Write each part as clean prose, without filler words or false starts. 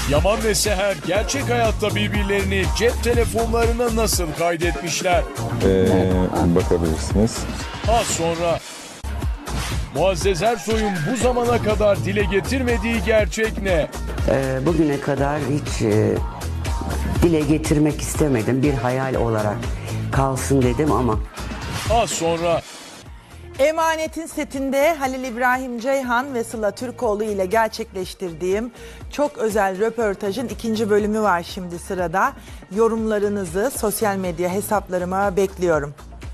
Yaman ve Seher gerçek hayatta birbirlerini cep telefonlarına nasıl kaydetmişler? Bakabilirsiniz. Az sonra Muazzez Ersoy'un bu zamana kadar dile getirmediği gerçek ne? Bugüne kadar hiç dile getirmek istemedim. Bir hayal olarak kalsın dedim ama. Az sonra Emanet'in setinde Halil İbrahim Ceyhan ve Sıla Türkoğlu ile gerçekleştirdiğim çok özel röportajın 2. bölümü var şimdi sırada. Yorumlarınızı sosyal medya hesaplarıma bekliyorum.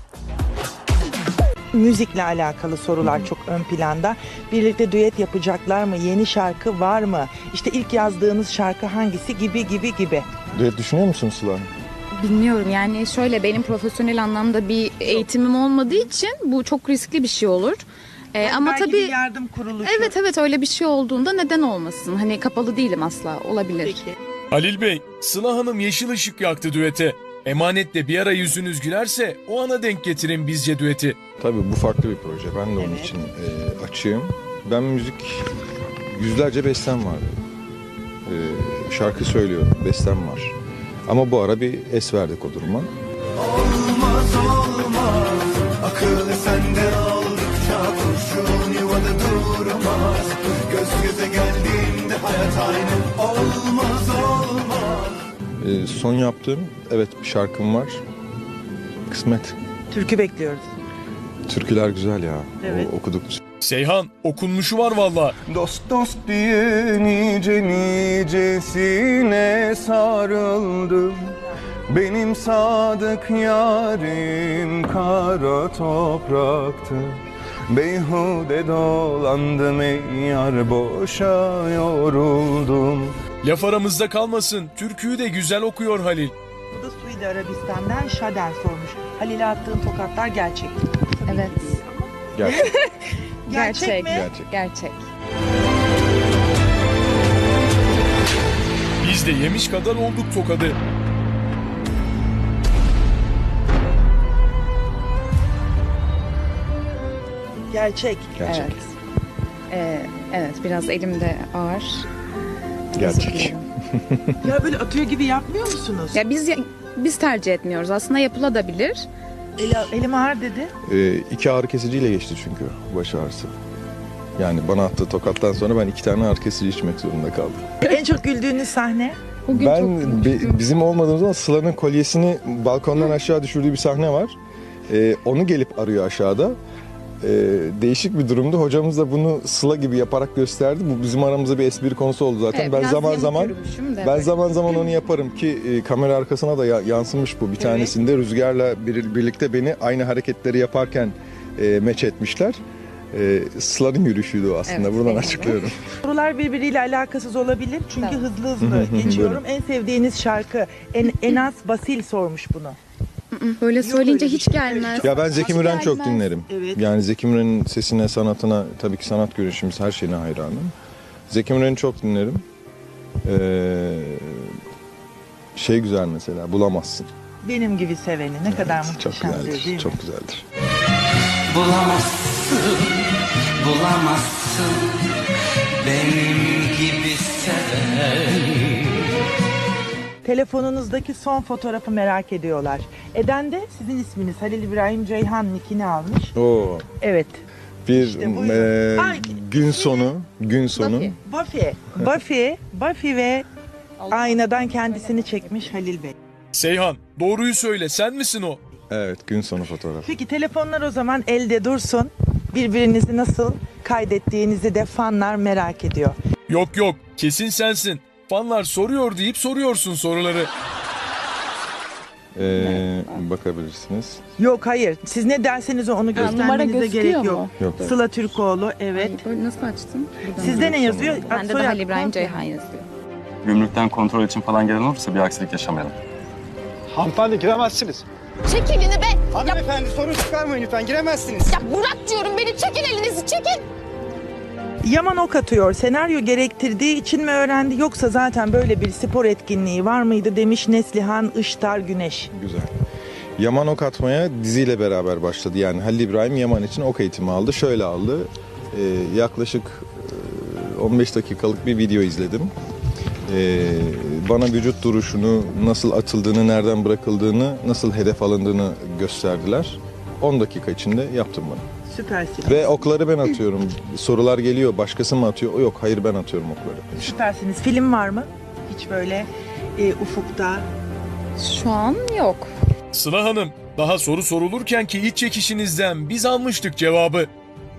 Müzikle alakalı sorular çok ön planda. Birlikte düet yapacaklar mı? Yeni şarkı var mı? İşte ilk yazdığınız şarkı hangisi gibi. Düet düşünüyor musun Sıla? Bilmiyorum, yani şöyle, benim profesyonel anlamda bir eğitimim olmadığı için bu çok riskli bir şey olur. Ama belki tabii bir yardım kuruluşu. evet öyle bir şey olduğunda neden olmasın? Hani kapalı değilim asla, olabilir. Peki. Halil Bey, Sıla Hanım yeşil ışık yaktı düete. Emanet'le bir ara yüzünüz gülerse o ana denk getirin bizce düeti. Tabii bu farklı bir proje. Ben de onun için açığım. Ben müzik, yüzlerce bestem var. Şarkı söylüyorum, bestem var. Ama bu ara bir es verdik o duruma. Olmaz, akıl sende aldıkça kurşun yuvada durmaz. Göz göze geldiğinde hayat aynı. Olmaz. Son yaptığım, evet, bir şarkım var. Kısmet. Türkü bekliyoruz. Türküler güzel ya. Evet. Okuduk. Seyhan, okunmuşu var valla. Dost diye nicesine sarıldım. Benim sadık yarim kara topraktı. Beyhude dolandım ey yar, boşa yoruldum. Laf aramızda kalmasın, türküyü de güzel okuyor Halil. Bu da Suudi Arabistan'dan Şaden sormuş. Halil'e attığın tokatlar gerçek. Evet. Gerçek. Gerçek mi? Gerçek. Biz de yemiş kadar olduk tokadı. Gerçek. Gerçek. Evet, biraz elimde ağır. Gerçek. Ya böyle atıyor gibi yapmıyor musunuz? Ya biz tercih etmiyoruz. Aslında yapılabilir. Elim ağır dedi. 2 ağrı kesiciyle geçti çünkü baş ağrısı. Yani bana attığı tokattan sonra ben 2 tane ağrı kesici içmek zorunda kaldım. En çok güldüğünüz sahne? Bugün çok Bizim olmadığımız zaman Sıla'nın kolyesini balkondan aşağı düşürdüğü bir sahne var. Onu gelip arıyor aşağıda. Değişik bir durumdu. Hocamız da bunu Sıla gibi yaparak gösterdi. Bu bizim aramızda bir espri konusu oldu zaten. Evet, ben biraz zaman yamuk zaman yürümüşüm de ben böyle. zaman zaman onu yaparım ki kamera arkasına da yansımış bu. Bir tanesinde Rüzgar'la birlikte beni aynı hareketleri yaparken meç etmişler. Sıla'nın yürüyüşüydü o aslında. Evet, Buradan benim de. açıklıyorum. Sorular birbiriyle alakasız olabilir. Çünkü Tamam. hızlı geçiyorum. En sevdiğiniz şarkı. Enas Basil sormuş bunu. böyle söyleyince öyle bir hiç şey. gelmez. Ya ben Zeki Hiç Müren çok gelmez. dinlerim. Evet. Yani Zeki Müren'in sesine, sanatına, tabii ki sanat görüşümüz, her şeyine hayranım. Zeki Müren'i çok dinlerim. Şey güzel mesela, Bulamazsın. Benim gibi seveni ne kadar Çok muhteşemdir güzeldir, değil mi? çok güzeldir. Bulamazsın benim gibi seveni. Telefonunuzdaki son fotoğrafı merak ediyorlar. Eden de sizin isminiz Halil İbrahim Ceyhan nickini almış. Oo, Evet. bir İşte buyurun. Ay, gün sonu. Buffy ve aynadan kendisini çekmiş Halil Bey. Seyhan, doğruyu söyle, sen misin o? Evet, gün sonu fotoğrafı. Peki telefonlar o zaman elde dursun. Birbirinizi nasıl kaydettiğinizi de fanlar merak ediyor. Yok, kesin sensin. Fanlar soruyor deyip soruyorsun soruları. Bakabilirsiniz. Yok hayır. Siz ne derseniz onu numara göstermenize gözüküyor gerek mu? yok. Yok. Sıla Türkoğlu evet. Ay, böyle nasıl açtın? Buradan. Sizde ne yazıyor? Bende de Soyad, Halil İbrahim kontrol. Ceyhan yazıyor. Gümrükten kontrol için falan gelen olursa bir aksilik yaşamayalım. Hanımefendi giremezsiniz. Çek elini be! Hanımefendi sorun çıkarmayın lütfen, giremezsiniz. Ya bırak diyorum beni, çekin elinizi, çekin! Yaman ok atıyor. Senaryo gerektirdiği için mi öğrendi yoksa zaten böyle bir spor etkinliği var mıydı demiş Neslihan Iştar Güneş. Güzel. Yaman ok atmaya diziyle beraber başladı. Yani Halil İbrahim Yaman için ok eğitimi aldı. Şöyle aldı. Yaklaşık 15 dakikalık bir video izledim. Bana vücut duruşunu, nasıl atıldığını, nereden bırakıldığını, nasıl hedef alındığını gösterdiler. 10 dakika içinde yaptım bunu. Süpersiniz. Ve okları ben atıyorum. Sorular geliyor, başkası mı atıyor? O yok, hayır ben atıyorum okları. Süpersiniz. Film var mı? Hiç böyle ufukta. Şu an yok. Sıla Hanım, daha soru sorulurken ki iç çekişinizden biz almıştık cevabı.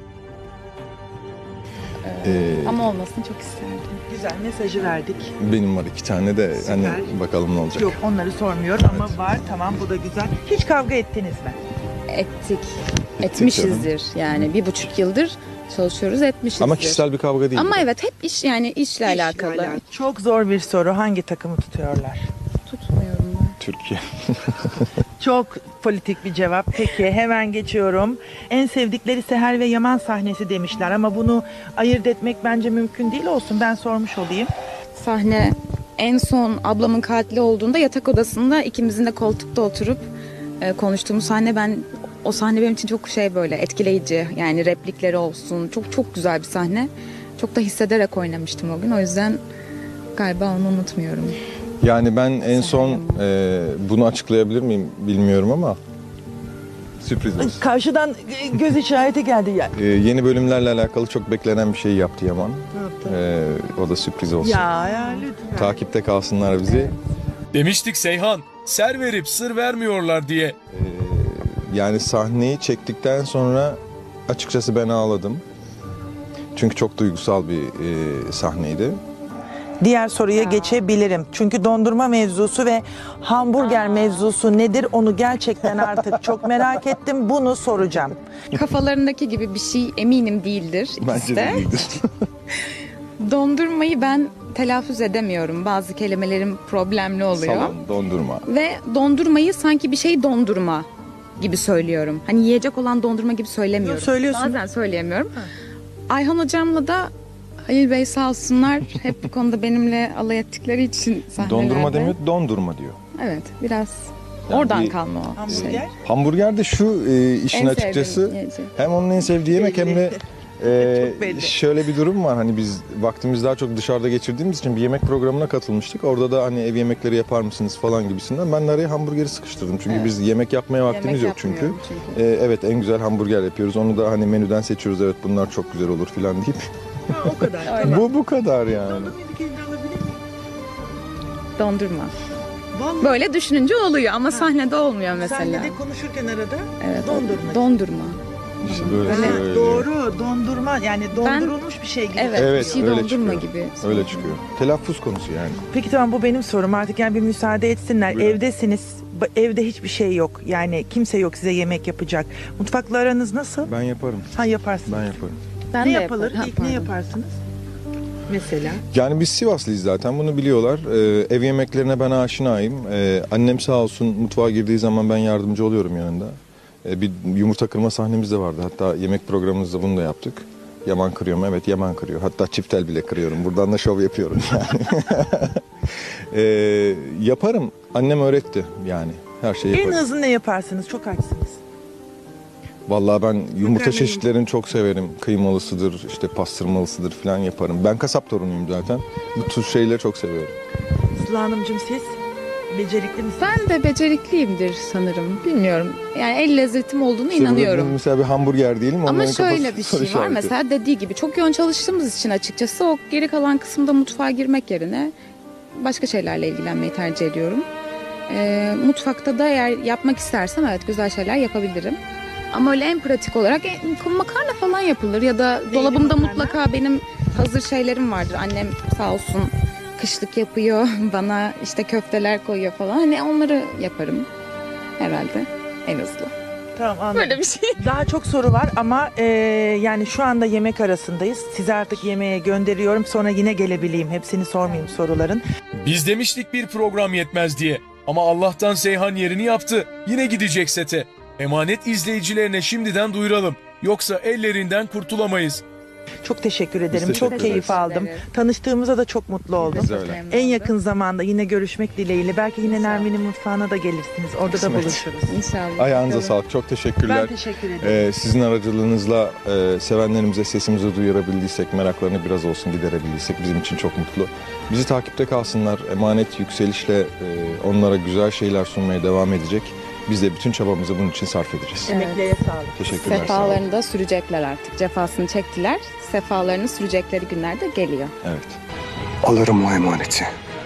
Ama olmasını çok isterdim. Güzel mesajı verdik. Benim var 2 tane de Süper. hani bakalım ne olacak. Yok onları sormuyorum ama var. Tamam bu da güzel. Hiç kavga ettiniz mi? Ettik. Etmişizdir. Yani 1,5 yıldır çalışıyoruz, etmişizdir. Ama kişisel bir kavga değil. Ama evet hep iş, yani işle İşle alakalı. alakalı. Çok zor bir soru. Hangi takımı tutuyorlar? Tutmuyorum ben. Türkiye. Çok politik bir cevap. Peki hemen geçiyorum. En sevdikleri Seher ve Yaman sahnesi demişler ama bunu ayırt etmek bence mümkün değil, olsun. Ben sormuş olayım. Sahne en son ablamın katili olduğunda yatak odasında ikimizin de koltukta oturup konuştuğumuz sahne, o sahne benim için çok böyle etkileyici. Yani replikleri olsun. Çok çok güzel bir sahne. Çok da hissederek oynamıştım o gün. O yüzden galiba onu unutmuyorum. Yani ben en son bunu açıklayabilir miyim bilmiyorum ama sürpriz olsun. Karşıdan göz işareti geldi ya. Yeni bölümlerle alakalı çok beklenen bir şey yaptı Yaman. Ne yaptı? O da sürpriz olsun. Ya lütfen. Takipte kalsınlar bizi. Demiştik Seyhan, ser verip sır vermiyorlar diye. Yani sahneyi çektikten sonra açıkçası ben ağladım. Çünkü çok duygusal bir sahneydi. Diğer soruya geçebilirim. Çünkü dondurma mevzusu ve hamburger mevzusu nedir onu gerçekten artık çok merak ettim. Bunu soracağım. Kafalarındaki gibi bir şey eminim değildir ikisi Bence de değildir. Dondurmayı ben telaffuz edemiyorum. Bazı kelimelerim problemli oluyor. Salon, dondurma. Ve dondurmayı sanki bir şey dondurma gibi söylüyorum. Hani yiyecek olan dondurma gibi söylemiyorum. Yok, söylüyorsun. Bazen söyleyemiyorum. Ayhan hocamla da Halil Bey sağ olsunlar hep bu konuda benimle alay ettikleri için sahnelerde. Dondurma demiyor, dondurma diyor. Evet, biraz Yani oradan bir- kalma o Hamburger. şey. Hamburger de şu işin En açıkçası sevdiğim yiyecek. hem onun en sevdiği yemek hem de Çok belli. şöyle bir durum var. Hani biz vaktimizi daha çok dışarıda geçirdiğimiz için bir yemek programına katılmıştık. Orada da hani ev yemekleri yapar mısınız falan gibisinden. Ben de araya hamburgeri sıkıştırdım. Çünkü Evet. biz yemek yapmaya vaktimiz yok çünkü. yapmıyorum çünkü. Evet, en güzel hamburger yapıyoruz. Onu da hani menüden seçiyoruz. Evet, bunlar çok güzel olur falan deyip. Ha, o kadar. Tamam. Bu kadar yani. Dondurmayı bir kez daha alabilir miyim? Dondurma. Vallahi Böyle düşününce oluyor ama sahnede olmuyor mesela. sahnede konuşurken arada Evet, dondurma. Dondurma. İşte böyle Ha, söylüyor. doğru, dondurma yani dondurulmuş bir şey gibi. Evet, Evet, bir şey öyle dondurma çıkıyor. gibi. Öyle çıkıyor. Telaffuz konusu yani. Peki tamam, bu benim sorum artık, yani bir müsaade etsinler. Buyurun. Evdesiniz, evde hiçbir şey yok. Yani kimse yok size yemek yapacak. Mutfakla aranız nasıl? Ben yaparım. Ha, yaparsın. Ben yaparım. Ben Ne de yapılır? yaparım. İlk ne yaparsınız? Mesela? Yani biz Sivaslıyız zaten, bunu biliyorlar. Ev yemeklerine ben aşinayım. Annem sağ olsun mutfağa girdiği zaman ben yardımcı oluyorum yanında. Bir yumurta kırma sahnemiz de vardı. Hatta yemek programımızda bunu da yaptık. Yaman kırıyor mu? Evet, Yaman kırıyor. Hatta çiftel bile kırıyorum. Buradan da şov yapıyorum yani. Yaparım. Annem öğretti yani. Her şeyi En yaparım. hızlı ne yaparsınız? Çok açsınız. Vallahi ben yumurta Makarna çeşitlerini çok severim. Kıymalısıdır, işte pastırmalısıdır falan yaparım. Ben kasap torunuyum zaten. Bu tür şeyleri çok seviyorum. Sıla Hanımcığım, siz becerikli misiniz? Ben de becerikliyimdir sanırım. Bilmiyorum. Yani el lezzetim olduğunu İşte burada inanıyorum. mesela bir hamburger diyelim. Ama onların şöyle kafası bir soru şey var. işareti. Mesela dediği gibi çok yoğun çalıştığımız için açıkçası o geri kalan kısımda mutfağa girmek yerine başka şeylerle ilgilenmeyi tercih ediyorum. Mutfakta da eğer yapmak istersem evet güzel şeyler yapabilirim. Ama öyle en pratik olarak makarna falan yapılır ya da dolabımda makarna? mutlaka benim hazır şeylerim vardır. Annem sağ olsun kışlık yapıyor, bana işte köfteler koyuyor falan. Hani onları yaparım herhalde en hızlı. Tamam, anladım. Böyle bir şey. Daha çok soru var ama yani şu anda yemek arasındayız. Sizi artık yemeğe gönderiyorum. Sonra yine gelebileyim. Hepsini sormayayım soruların. Biz demiştik bir program yetmez diye. Ama Allah'tan Seyhan yerini yaptı. Yine gidecek sete. Emanet izleyicilerine şimdiden duyuralım. Yoksa ellerinden kurtulamayız. Çok teşekkür ederim. teşekkür Çok ederiz. keyif aldım. ederiz. Tanıştığımıza da çok mutlu oldum. Biz de öyle. En yakın zamanda yine görüşmek dileğiyle. Belki yine Nermin'in mutfağına da gelirsiniz. Orada Kısmet. da buluşuruz. İnşallah. Ayağınıza Bakalım. sağlık. Çok teşekkürler. Ben teşekkür ederim. Sizin aracılığınızla sevenlerimize sesimizi duyurabildiysek, meraklarını biraz olsun giderebildiysek bizim için çok mutlu. Bizi takipte kalsınlar. Emanet yükselişle onlara güzel şeyler sunmaya devam edecek. Biz de bütün çabamızı bunun için sarf edeceğiz. Emeklere sağlık. Teşekkürler. sağ olun. Sefalarını da sürecekler artık. Cefasını çektiler. Sefalarını sürecekleri günler de geliyor. Evet. Alırım o emaneti.